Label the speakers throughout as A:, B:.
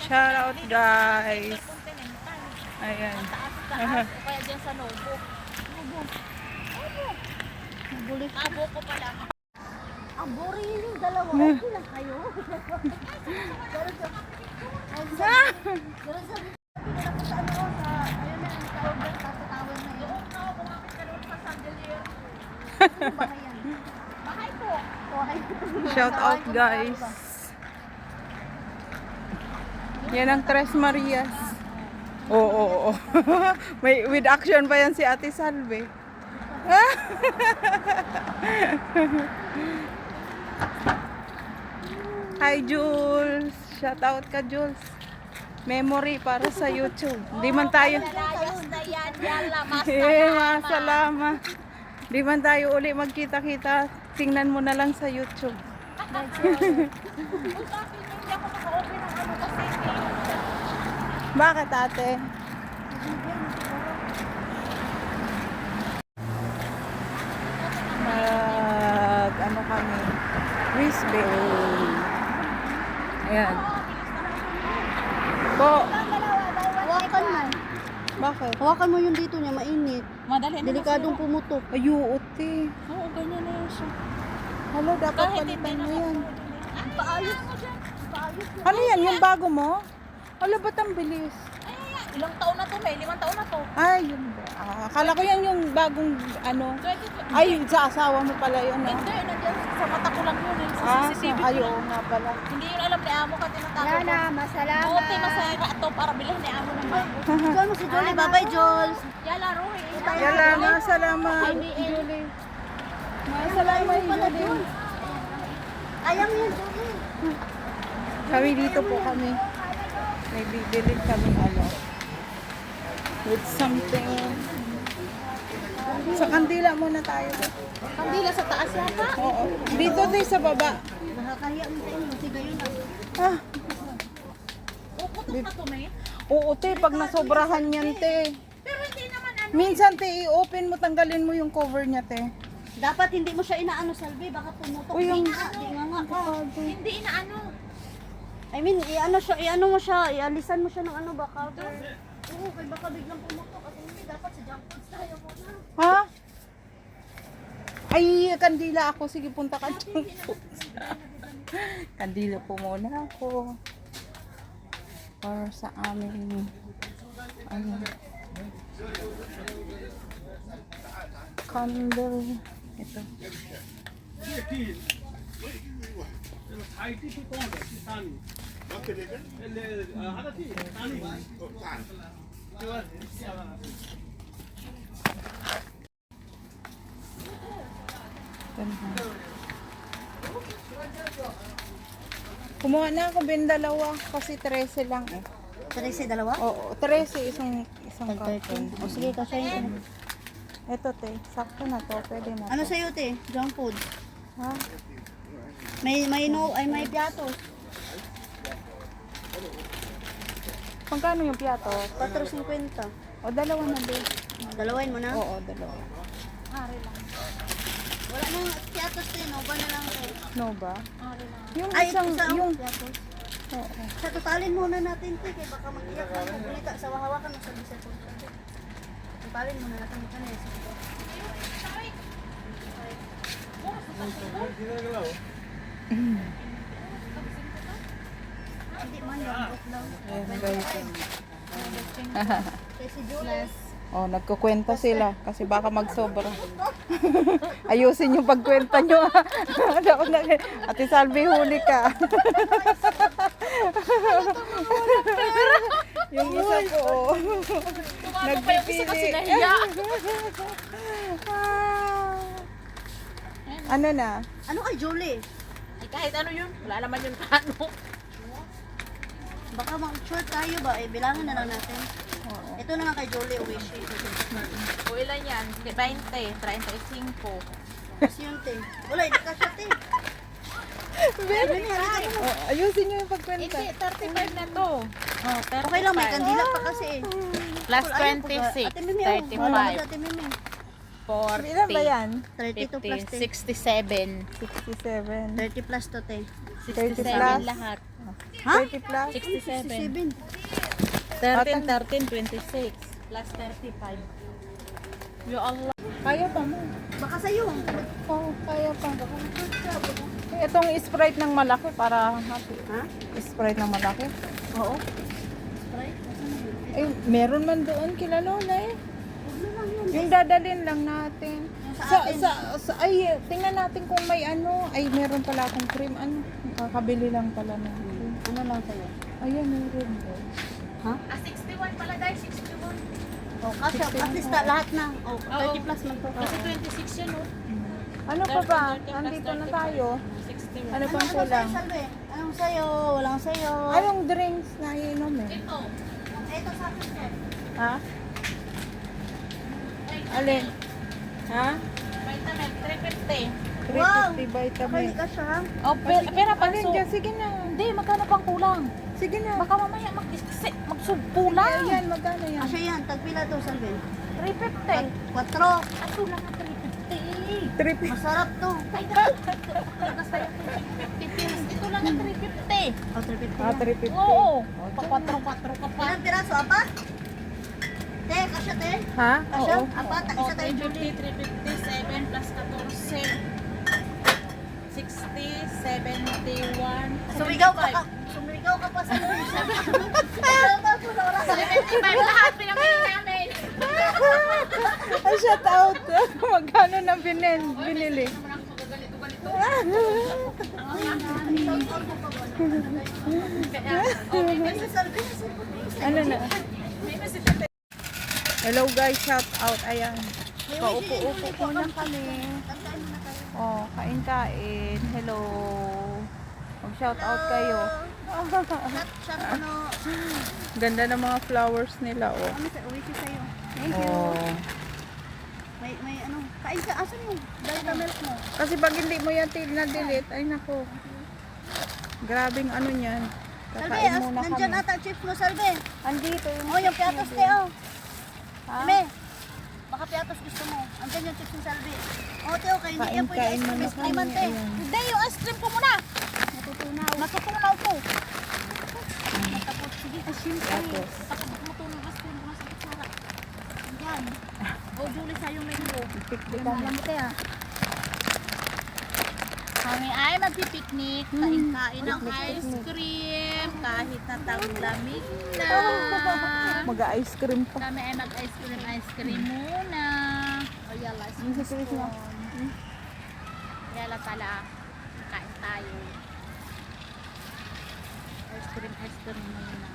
A: Shout out guys. Ayan.
B: Taas, o kaya dyan sa Nobo.
C: Bulit.
B: Abo ko pala.
C: Ang boring yung dalawa. Okay lang kayo. Pero sabi ko sa ano, sa, ayun na, yung tawag na, tatatawag na yun.
B: Oo, kumapit ka doon sa Sandelier.
C: Yung bahay yan.
B: Bahay po.
C: Bahay.
A: Shout out guys. Yan ang Tres Marias. Oo. May with action pa yan si Ate Salve. Hi Jules. Shout out ka Jules. Memory para sa YouTube. Di man tayo.
B: Layas na yan. Yala,
A: Masalama. Di man tayo uli magkita-kita. Tingnan mo na lang sa YouTube.
B: Hindi ako maka-open ng ano kasi.
A: Bakit ate? Ano kami? Brisbane. Ayan. Po.
C: Hawakan mo.
A: Bakit?
C: Hawakan mo yung dito niya, mainit.
B: Madali na
C: Delikadong pumutok.
A: Ayuot eh.
B: Oo, ganyan na yun siya.
A: Hala, dapat
B: Kahit hindi
A: palitan mo
B: na
A: yan.
C: Paayos mo dyan. Paayos mo.
A: Ano yan? Yung bago mo? Hala, ba't ang bilis?
B: Ilang taon na to, may 5 taon na to.
A: Ay, yun ba? Akala ko yan yung bagong ano. Ay, sa asawa mo pala yun, no?
B: Hindi, nandiyan sa mata ko lang yun. Sa CCTV ko
A: ay,
B: lang.
A: oo nga pala.
B: Hindi yun alam ni Amo ka tinatago ko.
C: Lala, masalamat.
B: Buti masaya to para bilhin ni Amo ng bago.
C: Joel mo si Jolie. Bye-bye, Jules.
B: Yala, Roy.
A: Yala, masalamat. Julie. Masalamat, Julie.
C: Ayang yun, Jolie.
A: Kami dito po kami. May bibili kami ano. With something. Sa kandila muna tayo.
B: Kandila sa taas yata.
A: Oo. Dito din sa baba.
C: Nakakahiya mo sa inyo. Sige yun.
A: Ah,
B: Puputok na to, may.
A: oo te, pag nasobrahan yan te.
B: Pero hindi naman ano.
A: Minsan te, i-open mo, tanggalin mo yung cover niya te.
C: Dapat hindi mo siya inaano, Salvi. Baka pumutok.
A: Uy, yung-
C: Di nga nga.
B: Hindi inaano.
C: I mean, i-ano siya, i-ano mo siya, ialisan mo siya ng ano ba, cover. Oo, kaya baka biglang pumutok. At hindi, dapat sa junk foods tayo muna.
A: Ha? Ay, kandila ako. Sige, punta ka dyan. Kandila po muna ako. Para sa amin. Ano? Candle. Ito. Ganda. Kumuha na ako bin dalawa kasi 13 lang eh.
C: 13, dalawa?
A: Oo, 13 isang carton.
C: O sige, kasyahin ko.
A: Ito te, sakto na to, pwede na
C: Ano
A: to.
C: sa'yo, te? Junk food?
A: Ha?
C: May piatos.
A: Magkano yung piato?
C: 4.50.
A: O dalawa na din.
C: Dalawain mo na?
A: Oo, dalawa.
C: Wala nang piatos, te. No ba na lang, te?
A: No ba? Yung
C: Ay,
A: isang,
C: isa,
A: yung,
C: piatos.
A: oo.
C: Sa totalin muna natin, te. Kaya baka mag-iyak na magulita. Sa hawakan mo sa bisa ko. Totalin muna natin ito na. Hindi man yung daw.
A: Ayan guys.
C: Kaya si Jules.
A: Oh, nagkukwenta sila kasi baka magsobra. Ayusin yung pagkwenta nyo. Ate Salvi, huli ka. Yung isa ko, oh. Nagpipili. Ano na?
C: Ano kay Julie?
B: Ay, kahit ano yun. Wala naman yun paano.
C: Baka mag-short tayo ba? Eh, bilangan na lang natin. Ito na lang kay Julie, Uwishi.
B: O ilan yan? 20, 35.
C: Kasi yun, te. Wala, hindi ka siya, te.
A: Oh, ayusin nyo yung pagkwenta.
B: Hindi, 35 na to. Oh, 35.
C: Okay lang, may kandila pa kasi eh.
B: Plus
C: Ayaw po ba?
B: 26,
C: Ate Mimi, oh. Wala mo
B: 35,
C: Ate Mimi.
B: 40,
A: Ilan ba yan?
C: 32 plus,
B: 50,
C: te.
B: 67.
A: 67.
C: 30 plus to, te.
A: 30
B: 67
A: plus.
B: lahat.
C: Ha?
A: 30 plus.
B: 67.
C: 7.
B: 13, 26. Plus 35. Ya Allah.
A: Kaya pa mo.
C: Baka sa'yo.
A: Oo, kaya pa. Itong Sprite ng malaki para happy.
C: Ha?
A: Sprite ng malaki.
C: Oo.
A: Ay, meron man doon kila Lola eh. Yung dadalhin lang natin. Ay, tingnan natin kung may ano. Ay, meron pala akong cream. Ano? Kakabili lang pala na.
C: Ano lang sa'yo?
A: Ayan, meron.
C: Ha?
B: 61 pala guys, 61.
C: Oh, kasi at least lahat na. Oh, 30 plus man to.
B: Kasi 26 yan oh.
A: Ano pa ba? Andito na tayo.
B: 61.
A: Ano pang
C: Ano
A: kulang?
C: sa'yo, Salve? Anong sa'yo? Walang sa'yo.
A: Anong drinks na iinom eh?
B: Ito.
C: Ito sa akin, sir.
A: Ha? Alin? Ha?
B: Vitamin, 350.
A: 350 vitamin.
C: Kapali ka siya.
B: Oh, pera pa
A: Alin dyan? Sige na.
B: Hindi, magkano pang kulang?
A: Sige na.
B: Baka mamaya magsubpulang.
A: Ayan, magkano yan?
C: Asya yan. Tagpila to, Salve.
B: 350.
C: 4.
B: Ato lang ang 350.
A: 350.
C: Masarap to.
B: Ay, tagas tayo 350. Ito lang ang 350.
C: Oh, 350
A: Ah,
C: lang.
A: 350.
B: Oo. Pa-4 ka pa.
C: Ilang piraso, apa? Te, kasya, te.
A: Ha?
C: Kasya?
A: Oo.
C: Apa, isa tayo, Julie.
B: 350, 7 plus 14. 60, 71.
C: Sumigaw ka pa sa Luis. Sumigaw ka po sa oras.
B: 75 lahat pinamili namin.
A: Ay, shout out. Magkano na binili? Ano na? Hello guys, shout out. Ayan. Paupo-upo ko na kami. Oh, kain-kain. Hello. Mag-shout out kayo.
C: Shot, ano.
A: Ganda ng mga flowers nila, oh.
C: Ano sa uwi siya sa'yo. Thank you.
A: Oh.
C: May ano. Kain ka. Asan yung vitamilk mo?
A: Kasi pag hindi mo yan na-delete, ay nako. Grabing ano niyan.
C: Salve,
A: Kakain muna
C: nandyan
A: kami.
C: ata chips mo, Salve.
A: Andito yung
C: Oh, yung piatos, te, oh.
A: Ha?
C: Eme, baka piatos gusto mo. Andyan yung chips ni Salve. Oh, te, okay. Hindi yan pwede
A: Kain-kain
C: ice cream.
A: muna
C: Ice cream,
A: kami.
C: te.
A: Ayan.
B: Hindi, yung ice cream ko muna.
C: Natutunaw.
B: Natutunaw ko.
C: Matapot. Sige, siyempre.
A: Tapos,
B: Tapos matulong ice cream ko na sa kutsara.
C: Andyan. Oh, Julie, sa'yo yung menu.
A: pikpik
C: Alam
A: kami.
C: mo, te, ah.
B: Kami ay magpipiknik, kain-kain ng ice cream, kahit na taglamig na.
A: Mag-ice cream pa.
B: Kami ay mag-ice cream muna. O yala,
A: Yung si Chris na.
B: yala pala, kain tayo. Ice cream muna.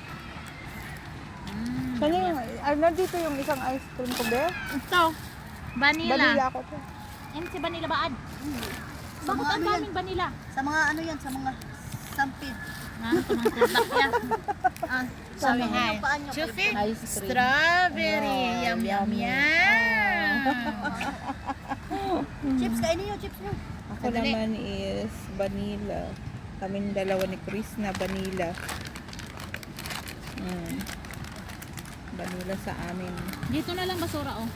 A: Saan yung, nandito yung isang ice cream ko, be?
B: Ito, vanilla.
A: Vanilla ako to.
B: Yan si vanilla baad.
C: Sa
B: Bakit
C: mga
B: ang
C: ano yan?
B: daming vanilla?
C: Sa mga ano yan, sa mga sampid.
B: Ha? Tumang product yan. Ah,
A: Sana.
B: sabi hai.
C: Yung paan nyo,
B: Chufi.
C: pwede.
A: Ice cream.
B: Strawberry.
A: Oh,
B: Yum, yum,
A: yummy.
B: yum.
C: Chips, kainin nyo, chips nyo.
A: Ako
B: Sandali.
A: naman is vanilla. Kaming dalawa ni Chris na vanilla. Vanilla sa amin.
B: Dito na lang basura, oh.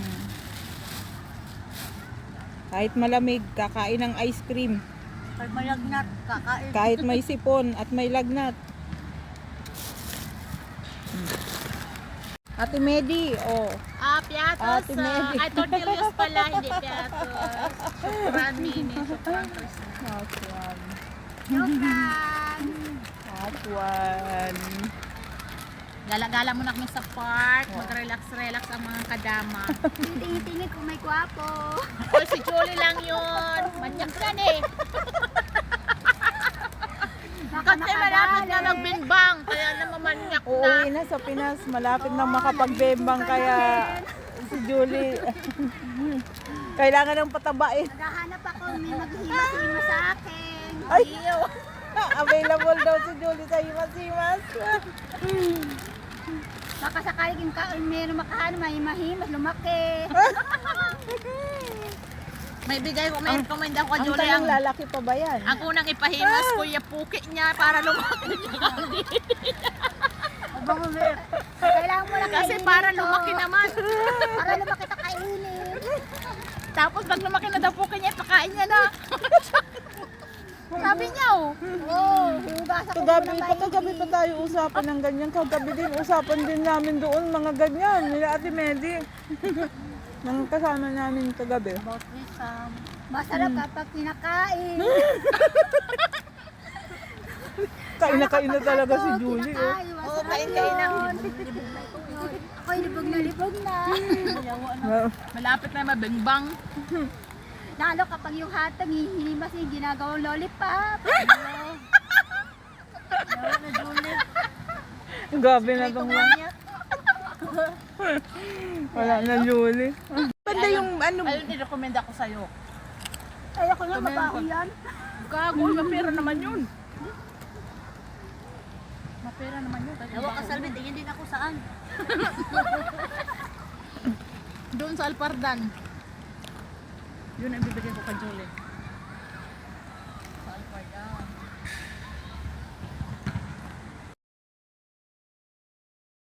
A: Kahit malamig, kakain ng ice cream.
C: Pag malagnat, kakain.
A: Kahit may sipon at may lagnat. Ate Medi, oh.
B: Ah, piatos.
A: Ate Medi.
B: Ay, tortillas pala, hindi piatos. Shukran, mini. Shukran, Chris.
A: Hot one.
B: Shukran.
A: Hot one.
B: Gala-gala muna kami sa park. Mag-relax-relax ang mga kadama.
C: Tingin-tingin kung may gwapo.
B: Oy, si Julie lang yun. Manyak yan eh. Kasi malapit na magbinbang. Kaya namamanyak na.
A: Uuwi na sa Pinas, malapit na makapagbembang kaya si Julie kailangan ng patabain.
C: Naghahanap ako, may maghihima-hima sa akin.
A: Ay, available daw si Julie sa Himas-Himas.
C: Baka sakaling meron makahanap, may mahimas, lumaki.
B: May bigay ko, may recommend ako kay
A: Ang
B: Julie.
A: tanong, lalaki pa ba yan?
B: Ang unang ipahimas, kuya puki niya para lumaki.
C: Abang ulit. Kailangan mo lang
B: Kasi
C: kainin
B: para
C: ito.
B: lumaki naman.
C: Para lumaki na kainin.
B: Tapos pag lumaki na daw puki niya, pakain niya na. Sabi niya, oh.
C: Oh, huga Nabasa ko
A: Kagabi,
C: muna
A: kagabi pa tayo usapan ng ganyan. Kagabi din, usapan din namin doon mga ganyan. Nila Ate Medi. Mga kasama namin kagabi.
C: About Wisam. Masarap kapag kinakain.
A: Kain na talaga si Julie. Oh.
C: Oo, kain na. Ako libog na.
B: Malapit na mabengbang.
C: Lalo kapag yung hatang hihinimas yung ginagawang lollipop. Yawa na Julie.
A: Gabi na itong wala na Julie. Banda yung ano,
B: Ayun, i-recommend ako sa'yo.
C: Ay, ako nga mabaho yan.
B: Gago, mapera naman yun. Mapera naman yun.
C: Yawa ka Salvi, tingin din ako saan.
B: Doon sa Alpardan. Yun ang bibigyan ko kay Julie.